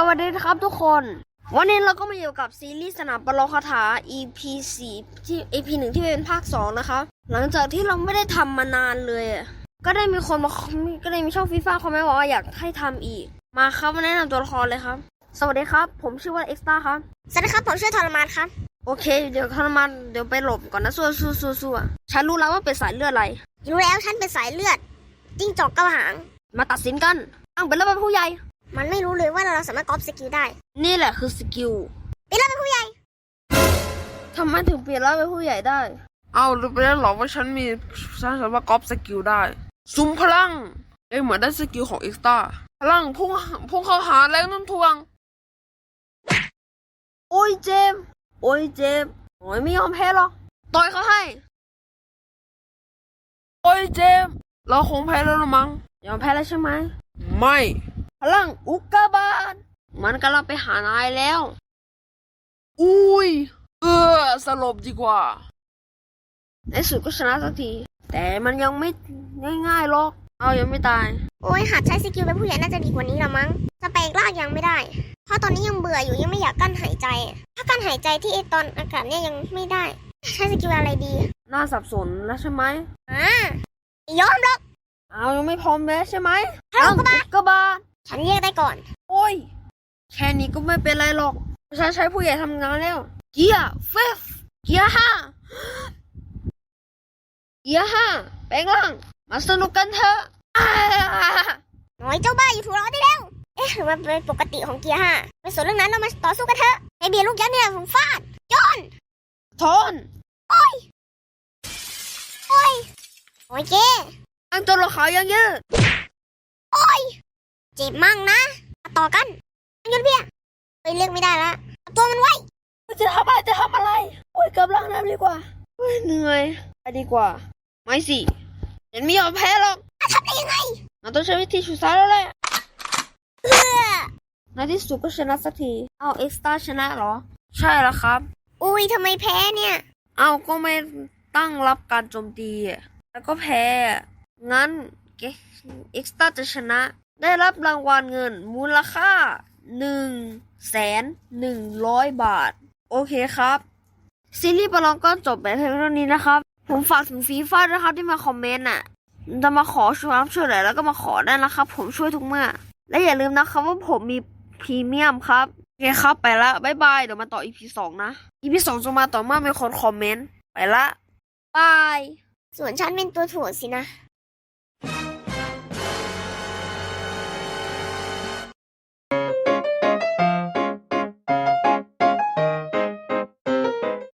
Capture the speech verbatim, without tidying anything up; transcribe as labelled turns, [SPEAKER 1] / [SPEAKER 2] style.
[SPEAKER 1] วัสดีครับทุกคนวันนี้เราก็มาอยู่กับซีรีส์สนามประลองคาถา อี พี สี่ที่ อี พี หนึ่งที่เป็นภาคสองนะครับหลังจากที่เราไม่ได้ทำมานานเลยก็ได้มีคนมาก็ได้มีช่องฟีฟ่าคอมเมนต์บอกว่าอยากให้ทำอีกมาครับมาแนะนำตัวละครเลยครับสวัสดีครับผมชื่อว่าเอ็กซ์ต้าครับ
[SPEAKER 2] สวัสดีครับผมชื่อทรมานครับ
[SPEAKER 1] โอเคเดี๋ยวทรมานเดี๋ยวไปหลบก่อนนะสู้สู้สู้สู้ฉันรู้แล้วว่าเป็นสายเลือดอะไร
[SPEAKER 2] รู้แล้วฉันเป็นสายเลือดจิ้งจอกกระหาง
[SPEAKER 1] มาตัดสินกันตั้งเป็นระดับผู้ใหญ่
[SPEAKER 2] มันไม่รู้เลยว่าเราสามารถก๊อปสกิลได้
[SPEAKER 1] นี่แหละคือสกิล
[SPEAKER 2] เป็นระดับผู้ใหญ่
[SPEAKER 1] ทำไมถึงเปลี่ยนแล้วเป็นผู้ใหญ่ได้
[SPEAKER 3] เอารู้ไปแล้วหรอว่าฉันมีฉันสามารถก๊อปสกิลได้ซุ้มพลังเอ้เหมือนได้สกิลของเอ็กซ์ต้าพลังพุ่งพุ่งเข้าหาแรงโน้มถ่วง
[SPEAKER 1] โอ้ยเจมโอ้ยเจมโอ้ยไม่ยอมแพ้หรอกต่อยเขาให้
[SPEAKER 3] โอ้ยเจมเราคงแพ้แล้วละมั้ง
[SPEAKER 1] ยอมแพ้แล้วใช่ไหม
[SPEAKER 3] ไม่
[SPEAKER 1] พลังอุกกาบาตมันกำลังไปหานายแล้ว
[SPEAKER 3] อุ้ยเออสลบดีกว่า
[SPEAKER 1] ในสุดก็ชนะสักทีแต่มันยังไม่ง่ายๆหรอกเอายังไม่ตาย
[SPEAKER 2] โอ้ยหัดใช้สกิลเป็นผู้ใหญ่น่าจะดีกว่านี้ละมั้งสเปกลากยังไม่ได้เพราะตอนนี้ยังเบื่ออยู่ยังไม่อยากกั้นหายใจถ้ากั้นหายใจที่ไอตอนอากาศเนี่ยยังไม่ได้ใช้สกิลอะไรดี
[SPEAKER 1] น่าสับสนแล้วใช่ไหม
[SPEAKER 2] อ่ายอมรับ
[SPEAKER 1] เอายังไม่พร้อมแล้วใช่ไหม
[SPEAKER 2] พลังอุกกาบาต
[SPEAKER 1] อุกกาบาต
[SPEAKER 2] ฉันแยกได้ก่อน
[SPEAKER 1] โอ้ยแค่นี้ก็ไม่เป็นไรหรอกฉันใช้ผู้ใหญ่ทำงานแล้วเกียร์เฟฟเกียร์ห้าเกียร์ห้าแปลงร่างมาสนุกกันเถอะ
[SPEAKER 2] น้อยเจ้าบ้าอยู่ถูกล้อได้แล้วเอ๊ะหรือมันเป็นปกติของเกียร์ห้าไม่สนเรื่องนั้นเรามาต่อสู้กันเถอะไอเบียร์ลูกยักษ์เนี่ยผมฟาดจอน
[SPEAKER 1] ทน
[SPEAKER 2] โอ้ยโอ้ยโอ้ยเจ๊
[SPEAKER 1] ตั้งตัวละครยังยืด
[SPEAKER 2] โอ้ยเจ็บมั่งนะมาต่อกันยุดเบี้ยเฮ้ยเรียกไม่ได้ละตัวมันไว้
[SPEAKER 1] จะทำอะไรจะทำอะไรโอ้ยกำลังน้ำดีกว่าเหนื่อยไปดีกว่าไม่สิเห็นไม่ยอมแพ้หรอก
[SPEAKER 2] ทำได้ยังไง
[SPEAKER 1] เราต้องใช้วิธีชุดซ้ายแล้วแหละ
[SPEAKER 2] เพื่อ
[SPEAKER 1] ในที่สุดก็ชนะสักทีเอาเอ็กซ์ต้าชนะเหรอใช่แล้วครับ
[SPEAKER 2] อุ้ยทำไมแพ้เนี่ย
[SPEAKER 1] เอาก็ไม่ตั้งรับการโจมตีแล้วก็แพ้งั้นเอ็กซ์ต้าจะชนะได้รับรางวัลเงินมูลค่าหนึ่งแสนหนึ่งร้อยบาทโอเคครับซีรีส์ประลองก็จบแบบเพียงเท่านี้นะครับผมฝากถึงฟีฟ่าด้วยครับที่มาคอมเมนต์น่ะจะมาขอช่วยช่วยเหลือแล้วก็มาขอได้นะครับผมช่วยทุกเมื่อและอย่าลืมนะครับว่าผมมีพรีเมียมครับโอเคครับไปละบ๊ายบายเดี๋ยวมาต่อ อี พี สองนะ อี พี สองจะมาต่อเมื่อมีคนคอมเมนต์ไปละบาย
[SPEAKER 2] ส่วนฉันเป็นตัวถ่วงสินะ